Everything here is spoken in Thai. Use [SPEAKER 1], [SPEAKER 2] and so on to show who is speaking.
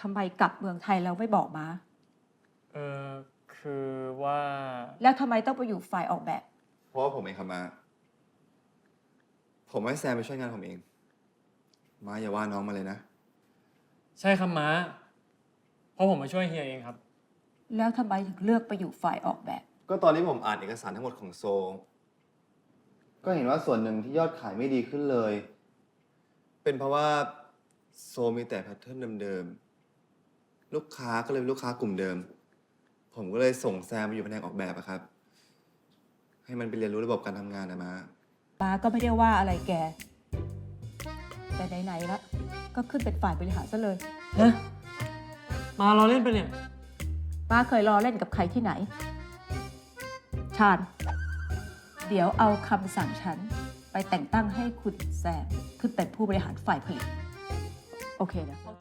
[SPEAKER 1] ทำไมกลับเมืองไทยแล้วไม่บอกมา
[SPEAKER 2] เออคือว่า
[SPEAKER 1] แล้วทำไมต้องไปอยู่ฝ่ายออกแบบ
[SPEAKER 3] เพราะว่าผมเองครับมา ผมให้แซมไปช่วยงานผมเอง มาอย่าว่าน้องมาเลยนะ
[SPEAKER 2] ใช่ครับม้าเพราะผมมาช่วยเฮียเองครับ
[SPEAKER 1] แล้วทำไมถึงเลือกไปอยู่ฝ่ายออกแบบ
[SPEAKER 3] ก็ตอนนี้ผมอ่านเอกสารทั้งหมดของโซ ก็เห็นว่าส่วนหนึ่งที่ยอดขายไม่ดีขึ้นเลย เป็นเพราะว่าโซมีแต่แพทเทิร์นเดิมๆ ลูกค้าก็เลยเป็นลูกค้ากลุ่มเดิม ผมก็เลยส่งแซมไปอยู่แผนกออกแบบอะครับ ให้มันไปเรียนรู้ระบบการทำงานนะมา
[SPEAKER 1] ป้าก็ไม่ได้ว่าอะไรแก แต่ไหนๆแล้วก็ขึ้นเป็นฝ่ายบริหารซะเลย
[SPEAKER 2] ฮะ มาเราเล่นไปเนี่ย
[SPEAKER 1] ป้าเคยรอเล่นกับใครที่ไหน ชาญ เดี๋ยวเอาคำสั่งฉันไปแต่งตั้งให้คุณแซมขึ้นเป็นผู้บริหารฝ่ายผลิต โอเคนะ